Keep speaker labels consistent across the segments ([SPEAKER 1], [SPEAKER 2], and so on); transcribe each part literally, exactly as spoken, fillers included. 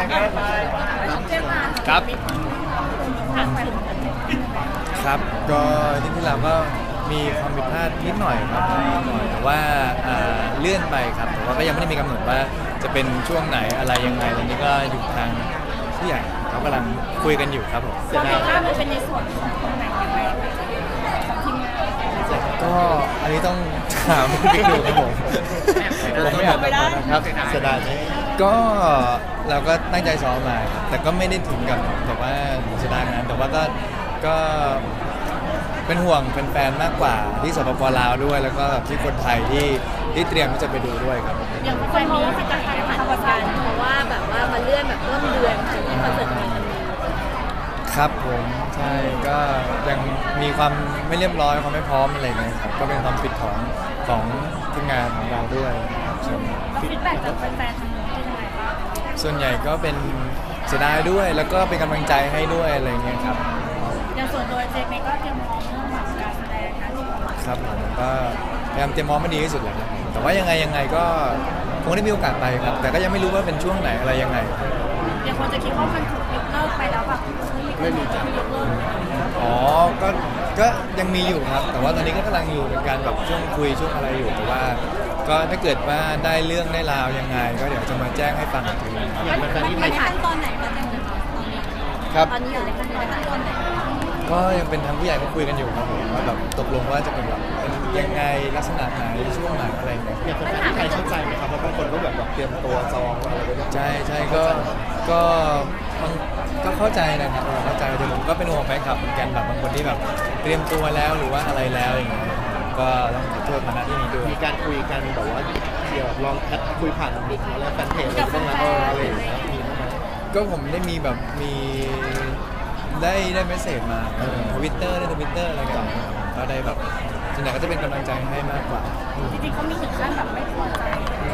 [SPEAKER 1] ครับครับก็ที่ที่เราก็มีความผิดพลาดนิดหน่อยครับนิดหน่อยแต่ว่าเลื่อนไปครับแต่ว่าก็ยังไม่ได้มีกำหนดว่าจะเป็นช่วงไหนอะไรยังไงตอนนี้ก็อยู่ทางผู้ใหญ่เขากำลังคุยกันอยู่ครับผม
[SPEAKER 2] ความผิดพลาดมันเป็นในส่วนของตรงไหนยังไงของทีมงาน
[SPEAKER 1] ก็อันนี้ต้องถามพี่บิ๊กดูครับผมผมไม่อยากตอบนะครับเสียดายไหมก็เราก็ตั้งใจซ้อมมาแต่ก็ไม่ได้ถึงกับแบบว่าเสียดายนั้นแต่ว่าก็ก็เป็นห่วงแฟนๆมากกว่าที่สปป.ลาวด้วยแล้วก็ที่คนไทยที่ที่เตรียมที่จะไปดูด้วยครับ
[SPEAKER 2] อย่างคนมองว่าเป็นการถ่ายทำประกันเพราะว่าแบบว่ามันเลื่อนแบบต้นเดือนถึงคอนเสิร์ตนี้
[SPEAKER 1] ครับผมใช่ก็ยังมีความไม่เรียบร้อยความไม่พร้อมอะไรเงี้ยครับก็เป็นความผิดของของทีมงานของเราด้วย
[SPEAKER 2] ฟีดแบ็กจากแฟนๆทางนู้นเป็นยังไงบ้าง
[SPEAKER 1] ส่วนใหญ่ก็เป็นเสียดายด้วยแล้วก็เป็นกำลังใจให้ด้วยอะไรเงี้ยครับ
[SPEAKER 2] อย่างส่วนตัวเจมส์ก็เตรียมพร้อมเรื่องแบบการแสดงนะครับ
[SPEAKER 1] ผมก็พยายามเตรียมพร้อมมาดีที่สุดเลยครับแต่ว่ายังไงยังไงก็คงได้มีโอกาสไปครับแต่ก็ยังไม่รู้ว่าเป็นช่วงไหนอะไรยังไง
[SPEAKER 2] อย่างคนจะคิดว่ามันถูกยกเลิกไปแล้วแบบไม่มีจะยกเลิก
[SPEAKER 1] อ๋อก็ก็ยังมีอยู่ครับแต่ว่าตอนนี้ก็กำลังอยู่ในการแบบช่วงคุยช่วงอะไรอยู่แต่ว่าก็ถ้าเกิดว่าได้เรื่องได้ราวยังไงก็เดี๋ยวจะมาแจ้งให้ฟังอีกทีนึงครับ
[SPEAKER 2] ตอนนี้ในขั้นตอนไหนก็จะมีตอนนี้
[SPEAKER 1] ครับ
[SPEAKER 2] ตอนนี้อยู่ในขั้นตอนไหน
[SPEAKER 1] ก็ยังเป็นทางผู้ใหญ่ก็คุยกันอยู่ครับผมว่าแบบตกลงว่าจะเป็นแบบเป็นยังไงลักษณะไหนช่วงไหนอะไรเงี้ย
[SPEAKER 3] อย่างคนที่ใครเข้าใจไหมครับเพราะบางคนก็แบบเตรียมตัวจองอะไรไว้
[SPEAKER 1] ใช่ใช่ก็ก็ก็เข้าใจนะครับเข้าใจแต่ผมก็เป็นห่วงแฟนคลับเหมือนกันแบบบางคนที่แบบเตรียมตัวแล้วหรือว่าอะไรแล้วอย่างเงี้ยก็ต้องขอโทษมาณที่นี้ด้วย
[SPEAKER 3] มีการคุยกันแบบว่าเดี๋ยวลองแคปคุยผ่านบิ๊กแล้วแฟนเพจอะไรบ้างนะอะไรอย่างเงี้ยมีไหม
[SPEAKER 1] ก็ผมได้มีแบบมีได้ได้เมสเซจมาทวิตเตอร์ได้ทวิตเตอร์อะไรกันก็ได้แบบส่วนใหญ่ก็จะเป็นกำลังใจให้มากกว่า
[SPEAKER 2] จริงๆเขามีถึงขั้นแบบไม่พอใจ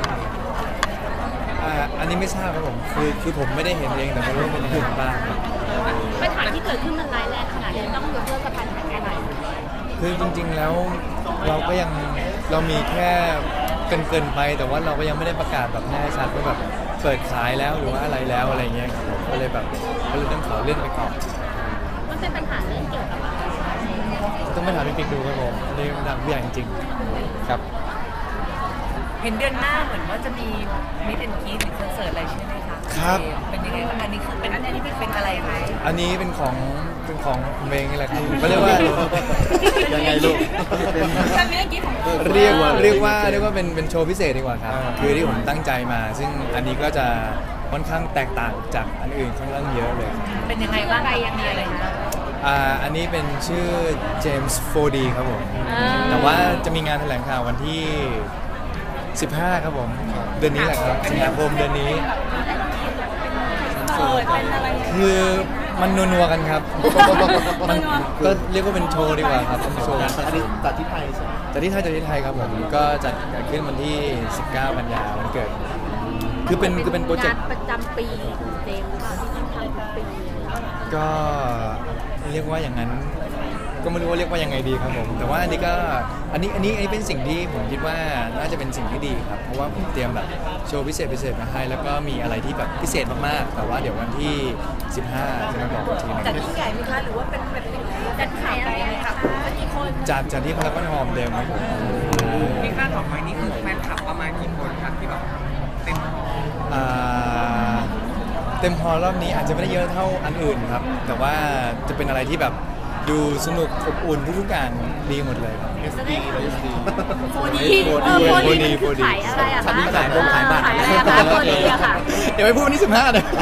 [SPEAKER 1] อ่าอันนี้ไม่ทราบครับผมคือคือผมไม่ได้เห็นเองแต่ไม่รู้เป็นยังไงบ้าง
[SPEAKER 2] ปัญหาที่เกิดขึ้นมันร้ายแรงขนาดนี้ต้องยกเลิกกับปัญหาแค่ไหน
[SPEAKER 1] คือจริงๆแล้วเราก็ยังเรามีแค่เกินเกินไปแต่ว่าเราก็ยังไม่ได้ประกาศแบบแน่ชัดว่าแบบเปิดขายแล้วหรือว่าอะไรแล้วอะไรเงี้ยครับก็เลยแบบก็เลยต้องขอเลื่อนไปก่อน
[SPEAKER 2] มันเป็นปัญหาเรื่องเกี่ยวกับอะไร
[SPEAKER 1] ต้องไปถามพี่ปิ๊กดูครับผมนี่ดังใหญ่จริงๆครับ
[SPEAKER 4] เห็นเดือนหน้าเหมือนว่าจะมีมิสแอนด์กรี๊ดหรือคอนเสิร์ตอะไรใช่ไหมคะ
[SPEAKER 1] ครับ
[SPEAKER 4] เป็นยังไงบ้างอันนี้คือเป็นอันนี้เป็นอะไรคะ
[SPEAKER 1] อันนี้เป็นของเป็นของเมงนี่แหละครับเขาเรียกว่า
[SPEAKER 3] ยังไงลูก
[SPEAKER 1] เรียกว่าเรียกว่าเรียกว่าเป็นเป็นโชว์พิเศษดีกว่าครับคือที่ผมตั้งใจมาซึ่งอันนี้ก็จะค่อนข้างแตกต่างจากอันอื่นค่อนข้างเยอะเลย
[SPEAKER 4] เป็นยังไงบ้างยังมีอะไรนะ
[SPEAKER 1] อ่าอันนี้เป็นชื่อ James โฟร์ ดี ครับผมแต่ว่าจะมีงานแถลงข่าววันที่สิบห้าครับผมเดือนนี้แหละครับสิงหาคมเดือนนี้คือมันนัวๆกันครับมันก็เรียกว่าเป็นโชว์ดีกว่าครับเป็นโชว์
[SPEAKER 3] อันนี้จัดที่ไทยใช่ไหม
[SPEAKER 1] จัดที่ไทยจัดที่ไทยครับผมก็จัดขึ้นวันที่สิบเก้ากันยายนวันเกิดคือเป็นคือเป็นโปรเจกต์
[SPEAKER 2] ประจำปีเต็มค่ะที่ต้องทำทุกปี
[SPEAKER 1] ก็เรียกว่าอย่างนั้นก็ไม่รู้ว่าเรียกว่ายังไงดีครับผมแต่ว่าอันนี้ก็อันนี้อันนี้อันนี้เป็นสิ่งที่ผมคิดว่าน่าจะเป็นสิ่งที่ดีครับเพราะว่าผมเตรียมแบบโชว์พิเศษพิเศษมาให้แล้วก็มีอะไรที่แบบพิเศษมากๆแต่ว่าเดี๋ยววันที่สิบห้าจะมาบอกทีนึง
[SPEAKER 2] จัดที่ใหญ่ไหมคะหรือว่าเป็นแบบจัดขายอะไรคะกี่คน
[SPEAKER 1] จัดจัดที่พารากอนฮอลล์เดิมครับผม
[SPEAKER 4] ที่คาดหวังไว้นี่คือแฟนคลับประมาณกี่คนครับที่แบบเต็ม
[SPEAKER 1] อ่าเต็มฮอลล์รอบนี้อาจจะไม่ได้เยอะเท่าอันอื่นครับแต่ว่าจะเป็นอะไรที่แบบดูสนุกอบอุ่นทุกๆอย่างดีหมดเลยครับ
[SPEAKER 3] เอส ดี เอส ดี
[SPEAKER 2] โฟร์ ดี โฟร์ ดีขายอะไรอะคะ
[SPEAKER 3] ขายบงขายบัตร
[SPEAKER 2] ขายอะไรคะโฟร์ ดีอะค่ะ
[SPEAKER 1] เดี๋ยวไปพูดวันที่สิบห้าเลย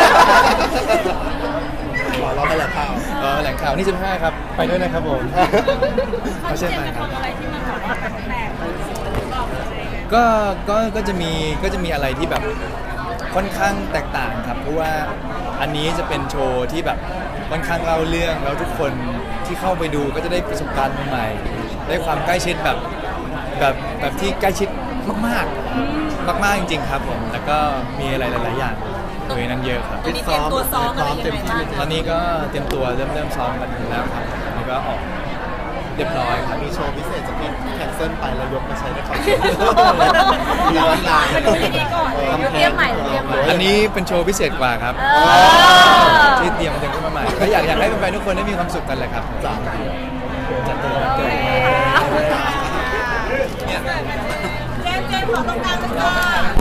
[SPEAKER 3] รอรอแถลงข่าว
[SPEAKER 1] เออแถลงข่าวนี่สิบห้าครับไปด้วยนะครับผม
[SPEAKER 2] เขาเชื่อไหมครับอะไรที่มันแบบว่าแปลก
[SPEAKER 1] ๆก็ก็ก็จะมีก็จะมีอะไรที่แบบค่อนข้างแตกต่างครับเพราะว่าอันนี้จะเป็นโชว์ที่แบบค่อนข้างเล่าเรื่องแล้วทุกคนที่เข้าไปดูก็จะได้ประสบการณ์ใหม่ๆได้ความใกล้ชิดแบบแบบแบบที่ใกล้ชิดมากๆมากๆจริงๆครับผมแล้วก็มีอะไรหลายๆอย่างโดยนั้นเยอะครับ
[SPEAKER 2] ตอนนี้เตรียมตัวซ้อมอะไรยังไงบ้าง
[SPEAKER 1] ตอนนี้ก็เตรียมตัวเริ่มเริ่มซ้อมกันแล้วครับแล้วก็ออกรียบร้อยครับ
[SPEAKER 3] มีโชว์พิเศษจากที่แคนเซิลไปแล้วยกมาใช้ในคอนเสิร์ตมีร้านลาย
[SPEAKER 2] มันดูดีก่อนเตรียมใหม่เตรียมใหม่
[SPEAKER 1] อันนี้เป็นโชว์พิเศษกว่าครับ
[SPEAKER 2] เออ
[SPEAKER 1] ที่เตรียมเตรียมขึ้นมาใหม่ก็อยากอยากให้แฟนๆทุกคนได้มีความสุขกันแหละครับ
[SPEAKER 3] จ้า
[SPEAKER 1] จัดตัววันเกิด
[SPEAKER 2] เจมส์เจมส์ขอตรงกลางเลยค่ะ